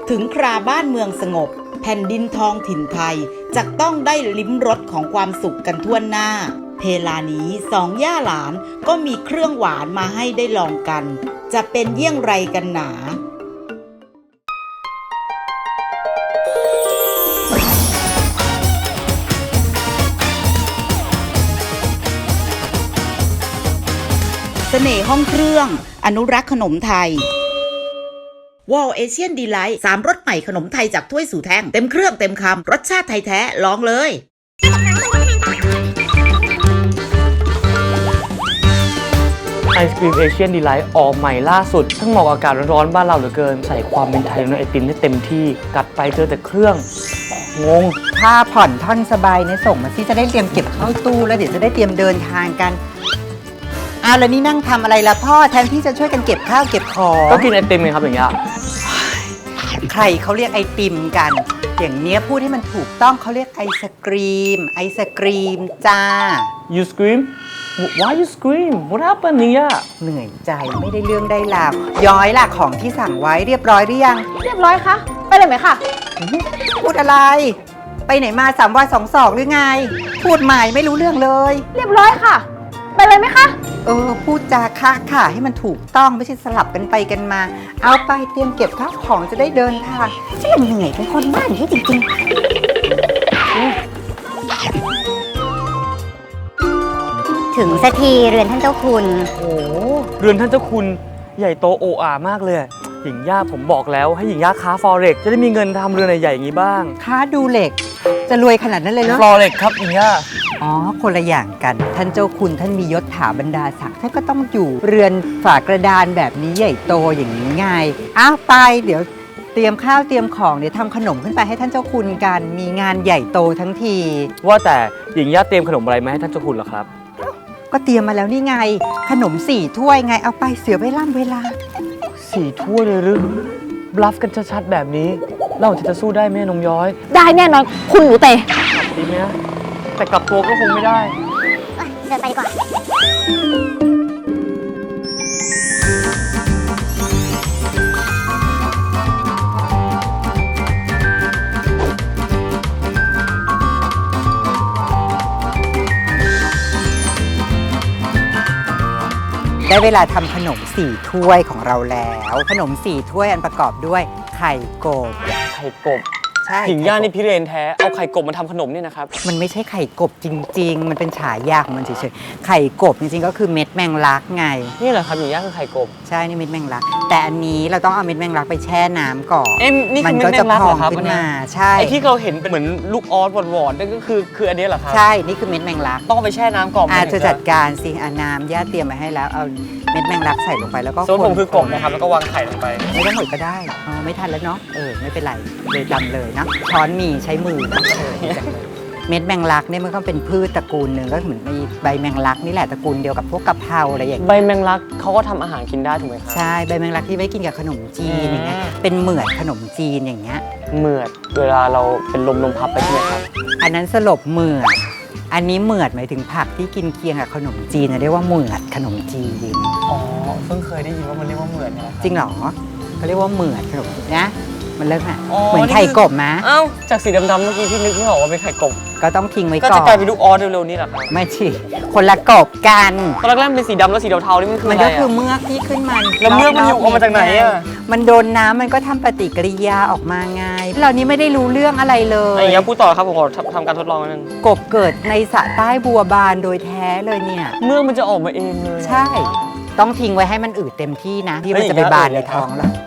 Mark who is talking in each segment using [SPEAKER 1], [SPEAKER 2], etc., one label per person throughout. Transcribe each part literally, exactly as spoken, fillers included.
[SPEAKER 1] ถึงคราบ้านเมืองสงบแผ่นดินทองถิ่นไทยจะต้องได้ลิ้มรสของความสุขกันทั่วหน้าเพลานี้สองย่าหลานก็มีเครื่องหวานมาให้ได้ลองกันจะเป็นเยี่ยงไรกันหนาเสน่ห์ห้องเครื่องอนุรักษ์ขนมไทยวอลเอเชียนดีไลท์สามรสใหม่ขนมไทยจากถ้วยสู่แท่งเต็มเครื่องเต็มคำรสชาติไทยแท้ลองเลย
[SPEAKER 2] ไอศกรีมเอเชียนดีไลท์ออกใหม่ล่าสุดทั้งเหมาะกับอากาศร้อนๆบ้านเราเหลือเกินใส่ความเป็นไทยในไอติมได้เต็มที่กัดไปเจอแต่เครื่องงง
[SPEAKER 3] ถ้าผ่อนท่อนสบายเนี่ยส่งมาที่จะได้เตรียมเก็บเข้าตู้แล้วเดี๋ยวจะได้เตรียมเดินทางกันอ้าวแล้วนี่นั่งทำอะไรล่ะพ่อแทนที่จะช่วยกันเก็บข้าวเก็บของ
[SPEAKER 2] ก็กินไอติมไงครับอย่างเงี้ย
[SPEAKER 3] ใครเขาเรียกไอติมกันอย่างเนี้ยพูดให้มันถูกต้องเขาเรียกไอศกรีมไอศกรีมจ้า
[SPEAKER 2] You scream Why you scream What happened เนี่ย
[SPEAKER 3] เหนื่อยใจไม่ได้เรื่องได้ราวย้อยล่ะของที่สั่งไว้เรียบร้อยหรือยัง
[SPEAKER 4] เรียบร้อยค่ะไปเลยไหมคะ
[SPEAKER 3] พูดอะไรไปไหนมาสามวันสองศอกหรือไงพูดใหม่ไม่รู้เรื่องเลย
[SPEAKER 4] เรียบร้อยค่ะไปเลยไหมคะ
[SPEAKER 3] เออพูดจาคะค่ะให้มันถูกต้องไม่ใช่สลับกันไปกันมาเอาไปเตรียมเก็บข้าวของจะได้เดินทางฉันเหนื่อยเป็นคนบ้านอย่างนี้จริงๆ
[SPEAKER 5] ถึงสักทีเรือนท่านเจ้าคุณ
[SPEAKER 2] โอ้เรือนท่านเจ้าคุณใหญ่โตโออามากเลยหญิงย่าผมบอกแล้วให้หญิงย่าค้าฟอเร็กจะได้มีเงินทำเรือนใหญ่ๆอย่างนี้บ้าง
[SPEAKER 3] ค้าดูเหล็กจะรวยขนาดนั้นเลยเหรอ
[SPEAKER 2] ฟอเร็กครับหญิงย่า
[SPEAKER 3] อ๋อคนละอย่างกันท่านเจ้าคุณท่านมียศถาบรรดาศักดิ์ท่านก็ต้องอยู่เรือนฝากระดานแบบนี้ใหญ่โตอย่างนี้ไงอ้าวไปเดี๋ยวเตรียมข้าวเตรียมของเดี๋ยวทำขนมขึ้นไปให้ท่านเจ้าคุณกันมีงานใหญ่โตทั้งที
[SPEAKER 2] ว่าแต่หญิงย่าเตรียมขนมอะไรมาให้ท่านเจ้าคุณเหรอครับ
[SPEAKER 3] ก็เตรียมมาแล้วนี่ไงขนมสี่ถ้วยไงเอาไปเสียเวลาเวลา
[SPEAKER 2] สี่ถ้วยเลยหรือบลัฟกันชัดๆแบบนี้เราจะจะสู้ได้ไหมนมย้อย
[SPEAKER 4] ได้แน่นอนคุณหนูเตะ
[SPEAKER 2] ดีไหมนะแต่กลับตัวก็คงไม่ได้
[SPEAKER 5] เดินไปดีกว่า
[SPEAKER 3] ได้เวลาทำขนมสี่ถ้วยของเราแล้วขนมสี่ถ้วยอันประกอบด้วยไข่กบ
[SPEAKER 2] ไข่กบ
[SPEAKER 3] ใช่
[SPEAKER 2] หญิงย่านี่พิเรนแท้เอาไข่กบมาทำขนมเนี่ยนะครับ
[SPEAKER 3] มันไม่ใช่ไข่กบจริงๆมันเป็นฉายาของมันเฉยๆไข่กบจริงๆก็คือเม็ดแมงลักไง
[SPEAKER 2] นี่แหละครับหญิงย่าคือไข่กบ
[SPEAKER 3] ใช่นี่เม็ดแมงลักแต่อันนี้เราต้องเอาเม็ดแมงลักไปแช่น้ำก่อน
[SPEAKER 2] เอ็มนี่คือเม็ดแมงลักเหรอครับขึ้นมา
[SPEAKER 3] ใช่
[SPEAKER 2] ไอที่เราเห็นเป็นเหมือนลูกออสหวานๆนั่นก็คือคืออันนี้เหรอครับ
[SPEAKER 3] ใช่นี่คือเม็ดแมงลัก
[SPEAKER 2] ต้องไปแช่น้ำก่อน
[SPEAKER 3] อาจจะจัดการสิอาน้ำย่าเตรียมมาให้แล้วเอาเม็ดแมงลักใส่ลงไปแล้วก็
[SPEAKER 2] ส่วนผมคือกบนะครับแล้วก็วางไข่ลงไป
[SPEAKER 3] ไม่ต้องหมดก็ได้อ๋อไม่ทันแล้วเนาะเออไม่เป็นไรเลยจำเลยนะช้อนมีใช้มือเม็ดแมงลักเนี่ยมันก็เป็นพืชตระกูลหนึ่งก็เหมือนมีใบแมงลักนี่แหละตระกูลเดียวกับพวกกะเพราอะไรอย่างเงี้ย
[SPEAKER 2] ใบแมงลักเขาก็ทำอาหารกินได้ถูกไหมครับ
[SPEAKER 3] ใช่ใบแมงลักที่ไว้กินกับขนมจีนอย่างเงี้ยเป็นเหมือดขนมจีนอย่างเงี้ย
[SPEAKER 2] เหมือดเวลาเราเป็นลมลมพับไปใช่ไหมครับ
[SPEAKER 3] อันนั้นสลบเหมือดอันนี้เหมือดหมายถึงผักที่กินเคียงกับขนมจีนเรียกว่าเหมือดขนมจีน
[SPEAKER 2] อ๋อเพิ่งเคยได้ยินว่ามันเรียกว่าเหมือดนะครับ
[SPEAKER 3] จริงเหรอเขาเรียกว่าเหมือดขนมนะมันเลิกอ่ะเหมือนไข่กบมะ
[SPEAKER 2] เอ้าจากสีดำๆเมื่อกี้ที่นึกไม่ออกว่าเป็นไข่กบ
[SPEAKER 3] ก็ต้องทิ้งไว้ก่อน
[SPEAKER 2] ก็จะกลายเป็นลูกออสเร็วๆนี้แหละครับ
[SPEAKER 3] ไม่ใช่คนละกบกัน
[SPEAKER 2] ตอนแรกๆเป็นสีดำแล้วสีเทาๆนี่มันคืออะไร
[SPEAKER 3] มันก็คือเมือกที่ขึ้นมัน
[SPEAKER 2] แล้วเมือกมันอยู่ออกมาจากไหนอ่ะ
[SPEAKER 3] มันโดนน้ำมันก็ทำปฏิกิริยาออกมาไงเรานี้ไม่ได้รู้เรื่องอะไรเลย
[SPEAKER 2] อย่างเงี้ยพูดต่อครับผมขอทำการทดลองนิดนึง
[SPEAKER 3] กบเกิดในสระใต้บัวบานโดยแท้เลยเนี่ย
[SPEAKER 2] เมือกมันจะออกมาเองเลย
[SPEAKER 3] ใช่ต้องทิ้งไว้ให้มันอืดเต็มที่นะที่มันจะไปบานในท้องแล้ว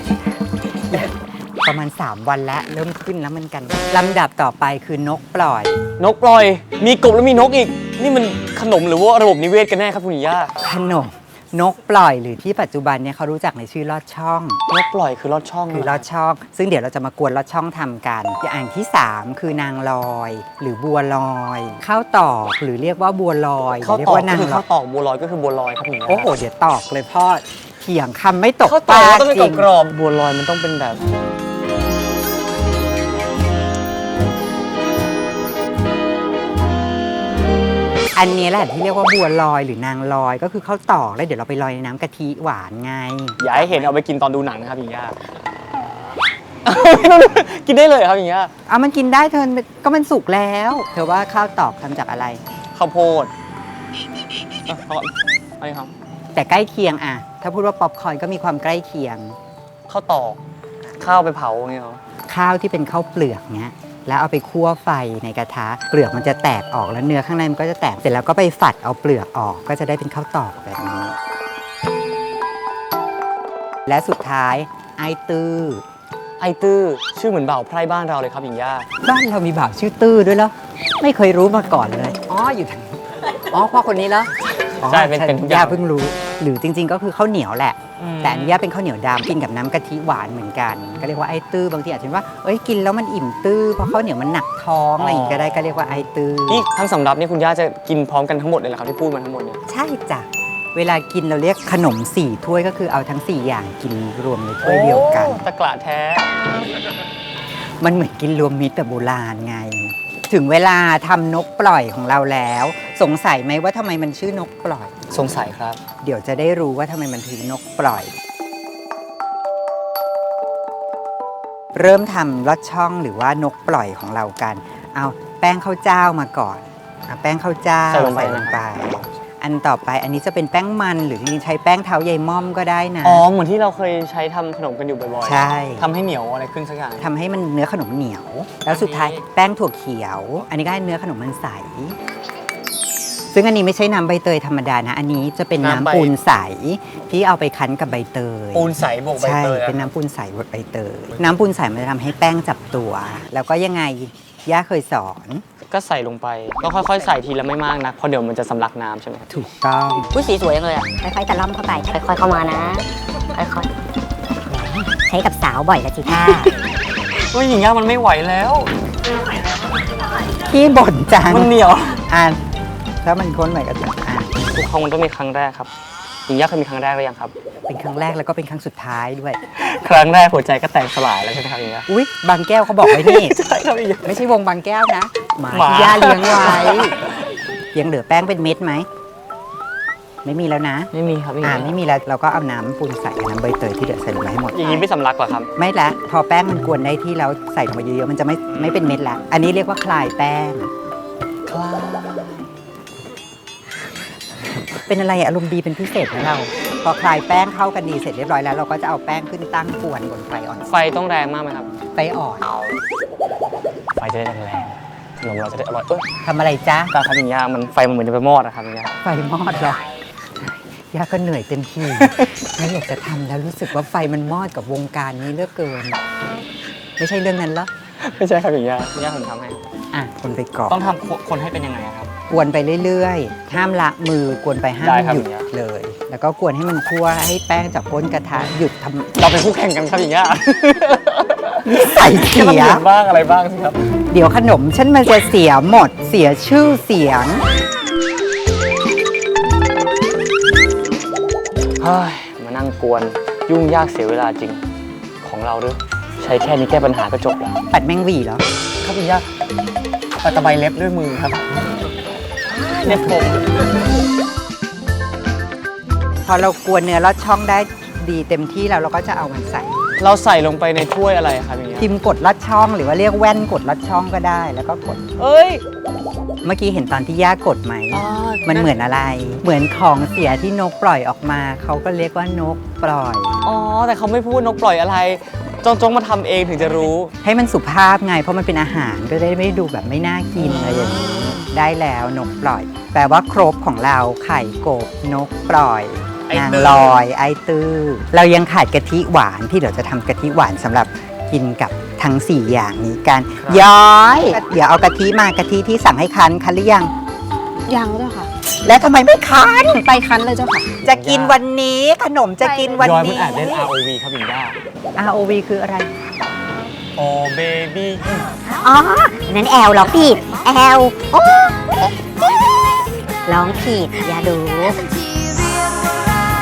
[SPEAKER 3] ประมาณสามวันแล้วเริ่มขึ้นแล้วมันกันลำดับต่อไปคือนกปล่อย
[SPEAKER 2] นกปล่อยมีกบแล้วมีนกอีกนี่มันขนมหรือว่าระบบนิเวศกันแน่ครับคุณย่า
[SPEAKER 3] ขนมนกปล่อยหรือที่ปัจจุบันเนี่ยเขารู้จักในชื่อลอดช่อง
[SPEAKER 2] นกปล่อยคือลอดช่อง
[SPEAKER 3] คือลอดช่องซึ่งเดี๋ยวเราจะมากวนลอดช่องทำกันอย่างที่สามคือนางลอยหรือบัวลอยข้าวตอกหรือเรียกว่าบัวลอย
[SPEAKER 2] ข้าวตอกก็คือข้าวตอกบัวลอยก็คือบัวลอยครับคุณย่า
[SPEAKER 3] โอ้โหเดี๋ยวตอกเลยพ่อเถียงคำไม่ตก
[SPEAKER 2] ข้าวตอกต้องเป็นกรอบบัวลอยมันต้องเป็นแบบ
[SPEAKER 3] อันนี้แหละที่เรียกว่าบัวลอยหรือนางลอยก็คือข้าวตอกแล้วเดี๋ยวเราไปลอยในน้ำกะทิหวานไง
[SPEAKER 2] อย่าให้เห็นเอาไปกินตอนดูหนังนะครับพี่ย่ากินได้เลยครับอย่างเงี้ย
[SPEAKER 3] เอามันกินได้เธอก็มันสุกแล้ว เธอว่าข้าวตอกทำจากอะไร
[SPEAKER 2] ข้าวโพดอ่ะเอาอะไรครับ
[SPEAKER 3] แต่ใกล้เคียงอะถ้าพูดว่าป๊อปคอร์นก็มีความใกล้เคียง
[SPEAKER 2] ข้าวตอกข้าวไปเผาอย่างเงี้ยเหรอ
[SPEAKER 3] ข้าวที่เป็นข้าวเปลือกเนี้ยแล้วเอาไปคั่วไฟในกระทะเปลือกมันจะแตกออกแล้วเนื้อข้างในมันก็จะแตกเสร็จแล้วก็ไปฝัดเอาเปลือกออกก็จะได้เป็นข้าวตอกแบบนี้ และสุดท้ายไอตื้อ
[SPEAKER 2] ไอตื้อชื่อเหมือนบ่าวไพร่บ้านเราเลยครับหญิงย่า
[SPEAKER 3] บ้านเรามีบ่าวชื่อตื้อด้วยเหรอไม่เคยรู้มาก่อนเลยอ๋ออยู่ทางอ๋อพ่อคนนี้เหรออ๋อ
[SPEAKER 2] ใช่เป็นเป็นทุกอย่า
[SPEAKER 3] ย่าง เพิ่งรู้ หรือจริง ๆ ก็คือข้าวเหนียวแหละ แต่อันนี้ย่าเป็นข้าวเหนียวดำกินกับน้ำกะทิหวานเหมือนกัน ก็เรียกว่าไอตื้อบางทีอาจจะว่าเอ้ยกินแล้วมันอิ่มตื้อเพราะข้าวเหนียวมันหนักท้องอะไรอย่างงี้ก็ได้ก็เรียกว่าไอตื้อ
[SPEAKER 2] นี่ทั้งสำรับนี่คุณย่าจะกินพร้อมกันทั้งหมดเลยเหรอครับที่พูดมาทั้งหมดเนี่ย
[SPEAKER 3] ใช่จ้ะเวลากินเราเรียกขนมสี่ถ้วยก็คือเอาทั้งสี่อย่างกินรวมในถ้วยเดียวกัน
[SPEAKER 2] โอ้ตะกละแท้
[SPEAKER 3] มันเหมือนกินรวมมิตรแบบโบราณไง ถึงเวลาทำนกปล่อยของเราแล้ว สงสัยไหมว่าทำไมมันชื่อนกปล่อย
[SPEAKER 2] สงสัยครับ
[SPEAKER 3] เดี๋ยวจะได้รู้ว่าทำไมมันถึงนกปล่อย เริ่มทำลอดช่องหรือว่านกปล่อยของเรากัน เอาแป้งข้าวเจ้ามาก่อนเอาแป้งข้าวเจ้า
[SPEAKER 2] ใส่ลงไป
[SPEAKER 3] ลงไป อันต่อไปอันนี้จะเป็นแป้งมันหรือจริงๆใช้แป้งเท้าใยม่อมก็ได้นะ
[SPEAKER 2] อ๋อเหมือนที่เราเคยใช้ทำขนมกันอยู่บ่อยๆ
[SPEAKER 3] ใช่
[SPEAKER 2] ทำให้เหนียวอะไรขึ้นสักอย่าง
[SPEAKER 3] ทำให้มันเนื้อขนมเหนียว แล้วสุดท้ายแป้งถั่วเขียว อันนี้ก็ให้เนื้อขนมมันใส ซึ่งอันนี้ไม่ใช่น้ำใบเตยธรรมดานะ อันนี้จะเป็นน้ำปูนใสที่เอาไปคั้นกับใบเตย
[SPEAKER 2] ปูนใสบวกใบ
[SPEAKER 3] ใช่
[SPEAKER 2] เตยอะ
[SPEAKER 3] เป็นน้ำปูนใสบดใบเตย น้ำปูนใสมันจะทำให้แป้งจับตัว แล้วก็ยังไง ย่าเคยสอน
[SPEAKER 2] ก็ใส่ลงไปก็ค่อยๆใส่ทีละไม่มากนะเพราะเดี๋ยวมันจะสำลักน้ำใช่ไหม
[SPEAKER 3] ถูกต้อง
[SPEAKER 2] อุ้ยสีสวยจังเลยอ่ะ
[SPEAKER 5] ค่อยๆตะล่อมเข้าไป ค่อยๆเข้ามานะ ค่อยๆ ใช้กับสาวบ่อยละจิท่า
[SPEAKER 2] อุ้ยหญิงย่ามันไม่ไหวแล้ว
[SPEAKER 3] ที่บ่นจัง
[SPEAKER 2] มันเหนียว
[SPEAKER 3] อ่านถ้ามันค้นใหม่ก็จะอ่าน
[SPEAKER 2] ทุกครั้งมันต้องมีครั้งแรกครับหญิงย่าเคยมีครั้งแรกหรือยังครับ
[SPEAKER 3] เป็นครั้งแรกแล้วก็เป็นครั้งสุดท้ายด้วย
[SPEAKER 2] ครั้งแรกหัวใจก็แตกสลายแล้วใช่ไหมครับหญิงย่า
[SPEAKER 3] อุ๊ย บางแก้วเขาบอกไว้นี่
[SPEAKER 2] ใช่ครับหญิงย่า
[SPEAKER 3] ไม่ใช่วงบางแก้วนะ หมา
[SPEAKER 2] หมา
[SPEAKER 3] ที่ย่าเลี้ยงไว้ ยังเหลือแป้งเป็นเม็ดไหม ไม่มีแล้วนะ
[SPEAKER 2] ไม่มีครับหญิง
[SPEAKER 3] อ่า
[SPEAKER 2] ย่า
[SPEAKER 3] ไม่มีแล้ว เราก็เอาน้ำปูนใส่กับน้ำใบเตยที่เหลือใส่ลงไปให้หมด
[SPEAKER 2] อย่างนี้ไม่สำลักเหรอครับ
[SPEAKER 3] ไม่ละ พอแป้งมันกวนได้ที่แล้วใส่ลงไปเยอะๆ มันจะไม่ไม่เป็นเม็ดละ อันนี้เรียกว่าคลายแป้ง
[SPEAKER 2] คลา
[SPEAKER 3] เป็นอะไรอารมณ์ดีเป็นพิเศษนะเรา พอคลายแป้งเข้ากันดีเสร็จเรียบร้อยแล้ว เราก็จะเอาแป้งขึ้นตั้งกวนบนไฟอ่อน
[SPEAKER 2] ไฟต้องแรงมากไหมครับ
[SPEAKER 3] ไฟอ่อน
[SPEAKER 2] ไฟจะได้แรงๆขนมเราจะได้อร่อยเอ้ย
[SPEAKER 3] ทำอะไรจ๊ะ
[SPEAKER 2] ตาครับหญิงย่ามันไฟมันเหมือนจะไปมอดนะครับหญิงย่า
[SPEAKER 3] ไฟมอดเหรอย่าก็เหนื่อยเต็มที่ ไม่อยากจะทำแล้วรู้สึกว่าไฟมันมอดกับวงการนี้เหลือกเกิน ไม่ใช่เรื่องนั้นเหรอ
[SPEAKER 2] ไม่ใช่ครับหญิงย่าหญิงย่าผมทำให้
[SPEAKER 3] อ่ะคนไปก่อน
[SPEAKER 2] ต้องทำคนให้เป็นยังไงอะครับ
[SPEAKER 3] กวนไปเรื่อยๆ ห้ามละมือกวนไปห้าม
[SPEAKER 2] ได้ครับ
[SPEAKER 3] หยุด
[SPEAKER 2] อย่างเงี้ย
[SPEAKER 3] เลย แล้วก็กวนให้มันคั่วให้แป้งจากก้นกระทะหยุดทำ
[SPEAKER 2] เราเป็นคู่แข่งกันครับหญิงย่า
[SPEAKER 3] ใส่เสี
[SPEAKER 2] มัน
[SPEAKER 3] ย
[SPEAKER 2] เหมือนบ้างอะไรบ้างสิครับ
[SPEAKER 3] เดี๋ยวขนมฉันมันจะเสียหมดเสียชื่อเสียง
[SPEAKER 2] เฮ้ยมานั่งกวนยุ่งยากเสียเวลาจริงของเราหรือใช้แค่นี้แก้ปัญหาก็จบแล้ว
[SPEAKER 3] ปัดแมงหวีเหรอ
[SPEAKER 2] ครับหญิงย่าปัดตะไบเล็บด้วยมือครับเล็บผม
[SPEAKER 3] พอเรากวนเนื้อลอดช่องได้ดีเต็มที่แล้วเราก็จะเอามันใส่
[SPEAKER 2] เราใส่ลงไปในถ้วยอะไรครับอย่างเงี้ย
[SPEAKER 3] พิมพ์กดลอดช่องหรือว่าเรียกแว่นกดลอดช่องก็ได้ แล้วก็กด
[SPEAKER 2] เอ้ย
[SPEAKER 3] เมื่อกี้เห็นตอนที่ย่ากดไหม
[SPEAKER 2] อ๋อ
[SPEAKER 3] มันเหมือนอะไร เหมือนของเสียที่นกปล่อยออกมา เขาก็เรียกว่านกปล่อย
[SPEAKER 2] อ๋อแต่เขาไม่พูดนกปล่อยอะไรจงจงมาทำเองถึงจะรู้
[SPEAKER 3] ให้มันสุภาพไง เพราะมันเป็นอาหารก็ได้ไม่ดูแบบไม่น่ากินอะไรอย่างนี้ ได้แล้วนกปล่อย แปลว่าครบของเราไข่กบนกปล่อย
[SPEAKER 2] ไอ้
[SPEAKER 3] นาง
[SPEAKER 2] ตื้อ
[SPEAKER 3] ลอย ไอตื้อ เรายังขาดกะทิหวานที่เดี๋ยวจะทำกะทิหวานสำหรับกินกับทั้งสี่อย่างนี้กัน ย้อย เดี๋ยวเอากะทิมากะทิที่สั่งให้คั้นคั้นหรือยัง
[SPEAKER 4] ยังเจ้าค่ะ
[SPEAKER 3] แล้วทำไมไม่คั้น
[SPEAKER 4] ไปคั้นเลยเจ้าค่ะ
[SPEAKER 3] จะกินวันนี้ขนมจะกินวัน
[SPEAKER 2] ย้อยมัน
[SPEAKER 3] นี้
[SPEAKER 2] อ่านเล่น อาร์ โอ วี ครับหญิงย่า
[SPEAKER 3] อาร์ โอ วี คืออะไร
[SPEAKER 2] โอเบบี้
[SPEAKER 5] อ๋อ นั้นแอลร้องผิด แอลโอ้ร้องผิด อย่าดู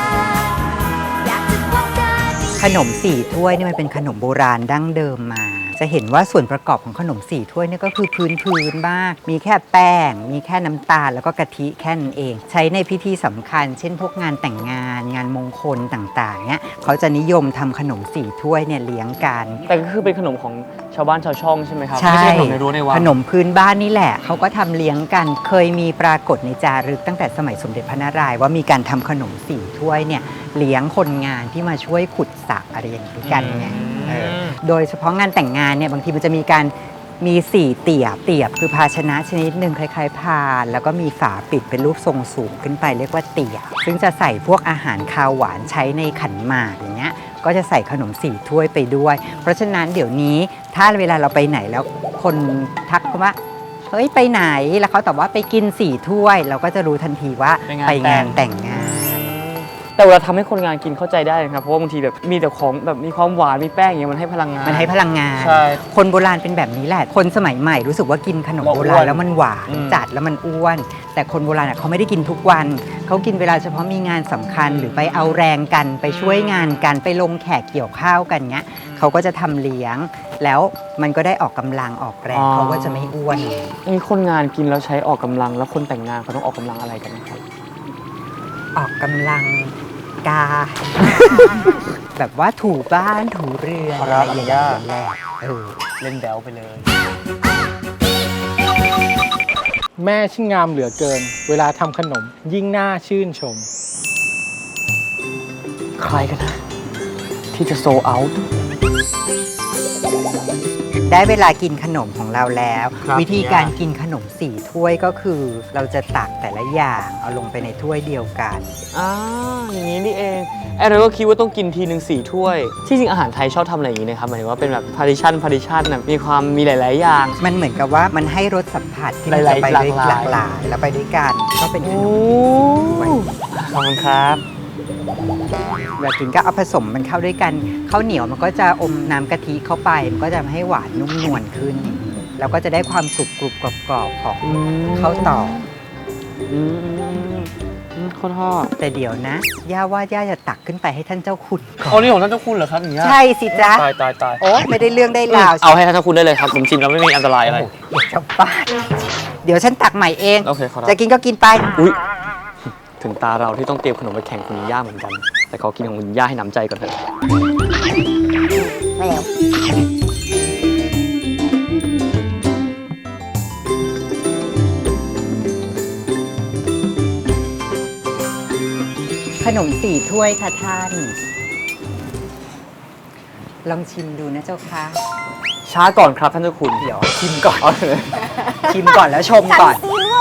[SPEAKER 3] ขนมสี่ถ้วยนี่มันเป็นขนมโบราณดั้งเดิมมาจะเห็นว่าส่วนประกอบของขนมสี่ถ้วยเนี่ยก็คือพื้นพื้นมาก มีแค่แป้ง มีแค่น้ำตาลแล้วก็กะทิแค่นั้นเอง ใช้ในพิธีสำคัญ เช่นพวกงานแต่งงาน งานมงคลต่างๆเนี่ยเขาจะนิยมทำขนมสี่ถ้วยเนี่ยเลี้ยงกัน
[SPEAKER 2] แต่ก็คือเป็นขนมของชาวบ้านชาวช่องใช่ไหมครับ
[SPEAKER 3] ใช่
[SPEAKER 2] ไม่ใช่ขนมในรั้วในวัง
[SPEAKER 3] ขนมพื้นบ้านนี่แหละเขาก็ทำเลี้ยงกัน เคยมีปรากฏในจารึกตั้งแต่สมัยสมเด็จพระนารายณ์ว่ามีการทำขนมสี่ถ้วยเนี่ยเลี้ยงคนงานที่มาช่วยขุดสระอะไรอย่างนี้กันไงเออโดยเฉพาะงานแต่งงานเนี่ยบางทีมันจะมีการมีสี่เตียบเตียบคือภาชนะชนิดหนึ่งคล้ายๆพานแล้วก็มีฝาปิดเป็นรูปทรงสูงขึ้นไปเรียกว่าเตียบซึ่งจะใส่พวกอาหารคาวหวานใช้ในขันหมากอย่างเงี้ยก็จะใส่ขนมสี่ถ้วยไปด้วย เพราะฉะนั้นเดี๋ยวนี้ถ้าเวลาเราไปไหนแล้วคนทักว่าเฮ้ยไปไหนแล้วเขาตอบว่าไปกินสี่ถ้วย เราก็จะรู้ทันทีว่าไปงานแต่งงาน
[SPEAKER 2] แต่เวลาทำให้คนงานกินเข้าใจได้นะครับเพราะว่าบางทีแบบมีแต่ของแบบมีความหวานมีแป้งอย่างเงี้ยมันให้พลังงาน
[SPEAKER 3] มันให้พลังงาน
[SPEAKER 2] ใช่
[SPEAKER 3] คนโบราณเป็นแบบนี้แหละ คนสมัยใหม่รู้สึกว่ากินขนมโบราณแล้วมันหวาน
[SPEAKER 2] อืม
[SPEAKER 3] จัดแล้วมันอ้วน แต่คนโบราณอะเขาไม่ได้กินทุกวันเขากินเวลาเฉพาะมีงานสำคัญหรือไปเอาแรงกันไปช่วยงานกันไปลงแขกเกี่ยวข้าวกันเงี้ยเขาก็จะทำเลี้ยง แล้วมันก็ได้ออกกำลังออกแรงเขาก็จะไม่อ้วน
[SPEAKER 2] มีคนงานกินแล้วใช้ออกกำลังแล้วคนแต่งงานเขาต้องออกกำลังอะไรกันนะครับ
[SPEAKER 3] ออกกำลังกา แบบว่าถูบ้านถูเรือน
[SPEAKER 2] ค
[SPEAKER 3] อะ
[SPEAKER 2] รั
[SPEAKER 3] ไร
[SPEAKER 2] บ
[SPEAKER 3] อย่างเงี้ยแหละเออ
[SPEAKER 2] เล่นแบลไปเลย
[SPEAKER 6] แม่ช่างงามเหลือเกิน เวลาทำขนมยิ่งน่าชื่นชม
[SPEAKER 2] ใครกันนะที่จะโซเอาท์
[SPEAKER 3] ได้เวลากินขนมของเราแล้ว
[SPEAKER 2] ครับ
[SPEAKER 3] วิธีการกินขนมสี่ถ้วยก็คือ เราจะตักแต่ละอย่างเอาลงไปในถ้วยเดียวกัน
[SPEAKER 2] อ่าอย่างนี้นี่เองไอ้เราก็คิดว่าต้องกินทีหนึ่งสี่ถ้วย ที่จริงอาหารไทยชอบทำอะไรอย่างนี้นะครับหมายถึงว่าเป็นแบบพาริชันพาริชันนะมีความมีหลาย ๆ อย่าง
[SPEAKER 3] มันเหมือนกับว่ามันให้รสสัมผัสที่มัน
[SPEAKER 2] หลาย
[SPEAKER 3] จะ
[SPEAKER 2] ๆ
[SPEAKER 3] ไปด้วย
[SPEAKER 2] ห
[SPEAKER 3] ห
[SPEAKER 2] ลา
[SPEAKER 3] ลาก ก
[SPEAKER 2] ห
[SPEAKER 3] ห
[SPEAKER 2] ลา
[SPEAKER 3] ลาย ยแล้วไปด้วยกันก็เป็นขนม
[SPEAKER 2] ขอบคุณครับ
[SPEAKER 3] แบบถึงก็เอาผสมมันเข้าด้วยกันข้าวเหนียวมันก็จะอมน้ำกะทิเข้าไปมันก็จะทำให้หวานนุ่มนวลขึ้น แล้วก็จะได้ความกรุบกรุบกรอบกรอบๆของข้าวตอก
[SPEAKER 2] อืมอืมอืมอืมข้าวทอด
[SPEAKER 3] แต่เดี๋ยวนะ ย่าว่าย่าจะตักขึ้นไปให้ท่านเจ้าคุณก่
[SPEAKER 2] อ๋อ
[SPEAKER 3] อน
[SPEAKER 2] นี่ของท่านเจ้าคุณเหรอครับอย่างเงี้ย
[SPEAKER 3] ใช่สิจ๊ะ
[SPEAKER 2] ตายตายตาย
[SPEAKER 3] โอ้ไม่ได้เรื่องได้ราว
[SPEAKER 2] เอาให้ท่านเจ้าคุณได้เลยครับผมชิมแล้วไม่มีอันตรายอะไร
[SPEAKER 3] โอ้โหจะบ้าเดี๋ยวฉันตักใหม่เอง
[SPEAKER 2] โอเคขอรับ
[SPEAKER 3] จะกินก็กินไป
[SPEAKER 2] อุ๊ยถึงตาเราที่ต้องเตรียมขนมไปแข่งคุณย่าเหมือนกัน แต่ขอกินของคุณย่าให้น้ำใจก่อนเถอะ
[SPEAKER 5] ไม่เร็ว
[SPEAKER 3] ขนมสี่ถ้วยค่ะท่าน ลองชิมดูนะเจ้าค่ะ
[SPEAKER 2] ช้าก่อนครับท่านเจ้าคุณ
[SPEAKER 3] เดี๋ยวชิมก่อน ชิมก่อนแล้วชมก่อน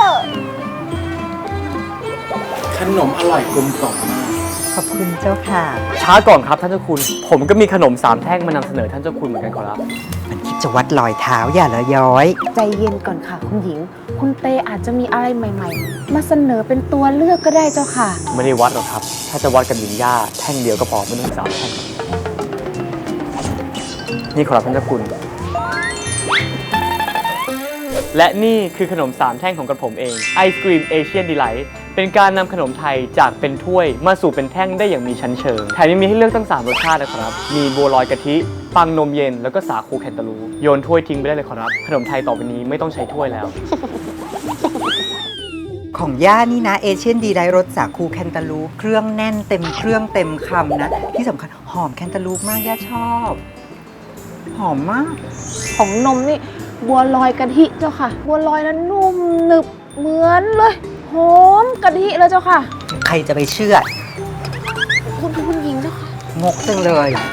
[SPEAKER 6] ขนมอร่อยกลมกล่อมมาก
[SPEAKER 3] ขอบคุณเจ้าค่ะ
[SPEAKER 2] ช้าก่อนครับท่านเจ้าคุณ ผมก็มีขนมสามแท่งมานำเสนอท่านเจ้าคุณเหมือนกันขอรับ
[SPEAKER 3] มันคิดจะวัดรอยเท้าอย่าละย้อย
[SPEAKER 4] ใจเย็นก่อนค่ะ คุณหญิง คุณเตอาจจะมีอะไรใหม่ ๆ มาเสนอเป็นตัวเลือกก็ได้เจ้าค่ะ
[SPEAKER 2] ไม่ได้วัดหรอกครับ ถ้าจะวัดกับหญิงย่าแท่งเดียวก็พอไม่ต้องสามแท่งนี่ขอรับท่านเจ้าคุณ และนี่คือขนมสามแท่งของกระผมเองไอศกรีมเอเชียนดีไลท์เป็นการนำขนมไทยจากเป็นถ้วยมาสู่เป็นแท่งได้อย่างมีชั้นเชิงแถมยังมีให้เลือกตั้งสามรสชาตินะครับ มีบัวลอยกะทิ ปังนมเย็นแล้วก็สาคูแคนตาลูปโยนถ้วยทิ้งไปได้เลยขอรับ ขนมไทยต่อไปนี้ไม่ต้องใช้ถ้วยแล้ว
[SPEAKER 3] ของย่านี่นะเอเชียนดีไดรสสาคูแคนตาลูปเครื่องแน่นเต็มเครื่องเต็มคำนะ ที่สำคัญหอมแคนตาลูปมากย่าชอบ หอมมาก
[SPEAKER 4] ของนมนี่บัวลอยกะทิเจ้าค่ะ บัวลอยนั้นนุ่มหนึบเหมือนเลยหอมกะทิเลยเจ้าค่ะ
[SPEAKER 3] ใครจะไปเชื่อ
[SPEAKER 4] คุณคุณหญิงเจ้าค่ะ
[SPEAKER 3] งกจังเลย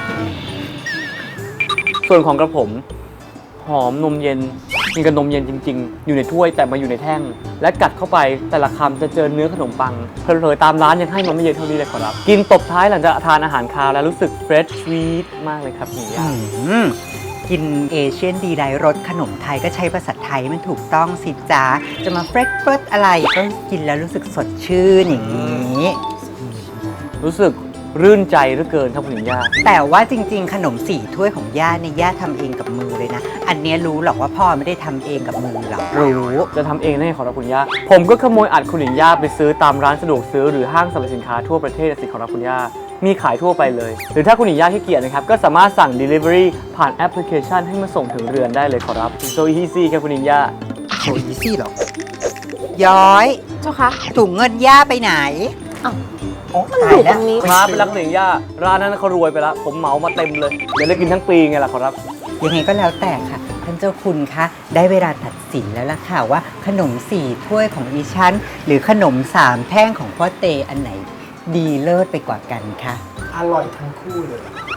[SPEAKER 2] ส่วนของกระผม หอมนมเย็นมีกับนมเย็นจริง ๆ อยู่ในถ้วยแต่มาอยู่ในแท่ง และกัดเข้าไปแต่ละคำจะเจอเนื้อขนมปังเผลอๆตามร้านยังให้มันไม่เยอะเท่านี้เลยขอรับ กินตบท้ายหลังจากทานอาหารคาวแล้วรู้สึกเฟรชสวีทมากเลยครับหญิงย่า
[SPEAKER 3] อืมกินเอเชียนดีไดรสขนมไทยก็ใช้ภาษาไทยมันถูกต้องสิจ้าจะมาเฟรชเฟิร์สอะไรก็กินแล้วรู้สึกสดชื่นอย่างนี้
[SPEAKER 2] รู้สึกรื่นใจเหลือเกินครับคุณหญิงย่า
[SPEAKER 3] แต่ว่าจริงๆ ขนมสี่ถ้วยของย่าเนี่ยย่าทำเองกับมือเลยนะ อันเนี้ยรู้หรอกว่าพ่อไม่ได้ทำเองกับมือหรอกรู้
[SPEAKER 2] จะทำเองได้ขอรับคุณย่า ผมก็ขโมยอัดคุณหญิงย่าไปซื้อตามร้านสะดวกซื้อหรือห้างสรรพสินค้าทั่วประเทศสิขอรับคุณย่ามีขายทั่วไปเลย หรือถ้าคุณหญิงย่าขี้เกียจนะครับก็สามารถสั่ง Delivery ผ่านแอปพลิเคชันให้มาส่งถึงเรือนได้เลยขอรับ so easy ครับคุณหญิงย่า
[SPEAKER 3] โอ้ยซี่หรอ ย้อย
[SPEAKER 4] เจ้าค่ะ
[SPEAKER 3] ถุงเงินย่าไปไหน
[SPEAKER 4] อ้าว
[SPEAKER 3] โอ้
[SPEAKER 4] มัน
[SPEAKER 3] ตา
[SPEAKER 4] อยู่
[SPEAKER 3] ยแล้ว
[SPEAKER 4] ตรงนี้
[SPEAKER 2] ครับเป็นรักคุณหญิงย่าร้านนั้นเขารวยไปแล้วผมเหมามาเต็มเลยเดี๋ยวได้กินทั้งปีไงล่ะขอรับ
[SPEAKER 3] ยังไงก็แล้วแต่ค่ะ ท่านเจ้าคุณคะ ได้เวลาตัดสินแล้วล่ะค่ะว่าขนมสี่ถ้วยของดิฉัน หรือขนมสามแท่งของพ่อเตอันไหน ดีเลิศไปกว่ากันคะ
[SPEAKER 6] อร่อยทั้งคู่เลย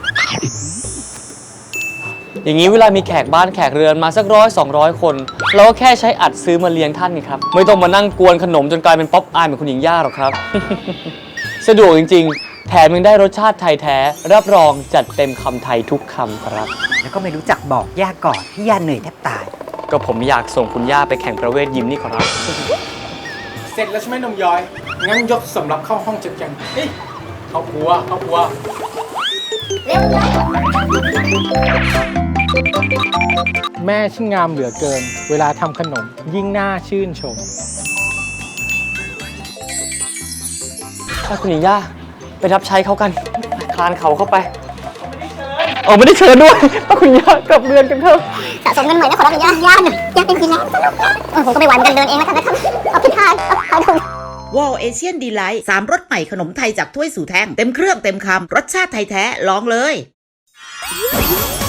[SPEAKER 2] อย่างนี้เวลามีแขกบ้านแขกเรือนมาสักร้อยสองร้อยคน เราก็แค่ใช้อัดซื้อมาเลี้ยงท่านนี่ครับ ไม่ต้องมานั่งกวนขนมจนกลายเป็นป๊อปอายเหมือนคุณหญิงย่าหรอกครับ สะดวกจริงๆ แถมยังได้รสชาติไทยแท้ รับรองจัดเต็มคำไทยทุกคำครับ
[SPEAKER 3] แล้วก็ไม่รู้จักบอกย่าก่อนที่ย่าเหนื่อยแทบตาย
[SPEAKER 2] ก็ผมอยากส่งคุณย่าไปแข่งประเวทยิมนี่ขอรับ
[SPEAKER 6] เสร็จแล้วใช่ไหมนมย้อย งั้นยกสำหรับเข้าห้องจัดกันเฮ้ยเข้าครัวเข้าครัว แม่ช่างงามเหลือเกิน เวลาทำขนมยิ่งน่าชื่นชม
[SPEAKER 2] ถ้าคุณหญิงย่าไปรับใช้เขากัน คลานเขาเข้าไปเออไม่ได้เชิญด้วยถ้าคุณย่ากลับเรือนกันเถอะ
[SPEAKER 5] สะสมเงินใหม่นะขอรับย่าย่าหน่อยย่าเป็นฟรีแลนซ์เออผมก็ไม่ไหวเหมือนกันเดินเองแล้วกันนะครับเอาผิดทางเอาถูก
[SPEAKER 1] วอลเอเชียนดีไลท์สามรสใหม่ขนมไทยจากถ้วยสู่แท่งเต็มเครื่องเต็มคำรสชาติไทยแท้ลองเลย